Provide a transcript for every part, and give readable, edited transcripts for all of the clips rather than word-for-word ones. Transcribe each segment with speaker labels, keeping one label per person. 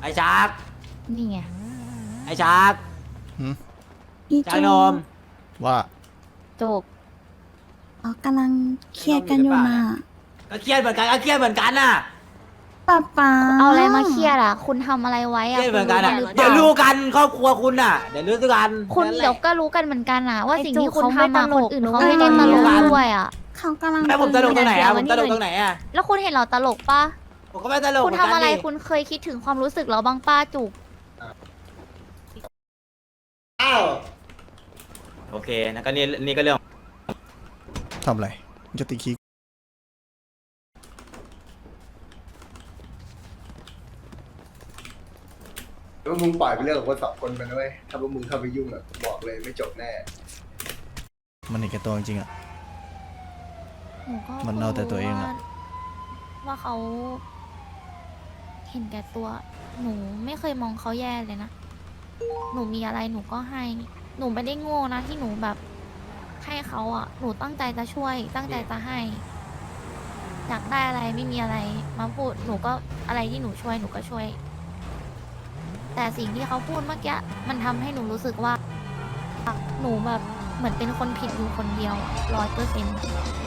Speaker 1: ไอ้ชัก
Speaker 2: นี่ไง
Speaker 1: ไอ้ชัก
Speaker 3: พี่
Speaker 1: ชั
Speaker 3: จู
Speaker 1: กนม
Speaker 4: ว่า
Speaker 2: จบ
Speaker 3: กำลังเครียดกันอยู่น่ะ
Speaker 1: ก็เครียดเหมือนกันก็เครียดเหมือนกันน่ะ
Speaker 3: ป๊า
Speaker 2: เอาอะไรมาเครียดอ่ะ คุณทำอะไรไว้
Speaker 1: เค
Speaker 2: อ่ะ
Speaker 1: รียดเหมือนกันน่ะ
Speaker 2: คุณรู้
Speaker 1: เดี๋ยว
Speaker 2: หรือ
Speaker 1: รู้
Speaker 2: เปล่า
Speaker 1: กันครอบครัวคุณน่ะเดี๋ยวรู้กัน
Speaker 2: คุณเดี๋ยวก็รู้กันเหมือนกันอ่ะ ว่าสิ่งที่คุณทำมา
Speaker 5: เขาไม่ตล
Speaker 2: คน
Speaker 5: ก
Speaker 2: อื่นเขาไม่ได้ตลกด้วยอ่ะ
Speaker 3: เขากำลัง
Speaker 1: แม่ผมตลกตรงไหนอะผมตลกตรงไหนอะ
Speaker 2: แล้วคุณเห็นเราตลกปะ
Speaker 1: ผมก็ไม่ตลก
Speaker 2: คุณ
Speaker 1: เหมือน
Speaker 2: ทำ
Speaker 1: กัน
Speaker 2: อะไร
Speaker 1: ดิ
Speaker 2: คุณเคยคิดถึงความรู้สึกเราบ้างป้าจุก
Speaker 1: อ้าวโอเคนะก็นี่ก็เรื่อง
Speaker 4: ทำอะไรมึงจะตีคี
Speaker 6: ว่ามึงปล่อยไปเรื่องของคนสองคนไปนะเว้ยถ้าพวกมึงเข้าไปยุ่งอ่ะบอกเลยไม่จบแน่
Speaker 4: มันเห็นแก่ตัวจริงๆอ่ะ
Speaker 2: หนูก็
Speaker 4: มันเอาแต่ตัวเองอะ
Speaker 2: ว่าเขาเห็นแก่ตัว หนูไม่เคยมองเขาแย่เลยนะ หนูมีอะไรหนูก็ให้ หนูไม่ได้โง่นะที่หนูแบบให้เขาอ่ะ หนูตั้งใจจะช่วย ตั้งใจจะให้ อยากได้อะไรไม่มีอะไรมาพูด หนูก็อะไรที่หนูช่วยหนูก็ช่วย แต่สิ่งที่เขาพูดเมื่อกี้มันทำให้หนูรู้สึกว่า หนูแบบเหมือนเป็นคนผิดอยู่คนเดียว100%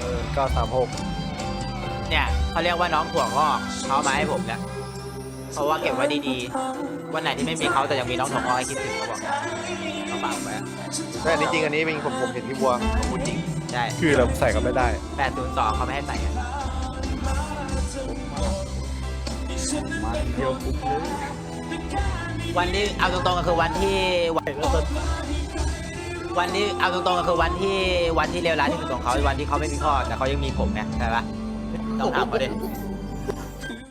Speaker 1: เนี่ยเขาเรียกว่าน้องถั่วงอกเขาเอามาให้ผมเนี่ยเพราะว่าเก็บไว้ดีๆวันไหนที่ไม่มีเขาแต่ยังมีน้องถั่วงอกให้คิดถึงเขาบอกเขาฝากไว้อะ
Speaker 7: ใช่อันนี้จริงอันนี้เป็นผมเห็นพี่บัวผมพูดจริง
Speaker 1: ใช่
Speaker 7: คือเราใส่ก็ไม่ได้
Speaker 1: 802เขาไม่ให้ใส่กันวันที่เอาตรงๆก็คือวันที่เอาตรงๆก็คือวันที่เลวร้ายที่สุดของเขาวันที่เขาไม่มีพ่อแต่เขายังมีผมไงใช่ปะต้องถามเขาดิ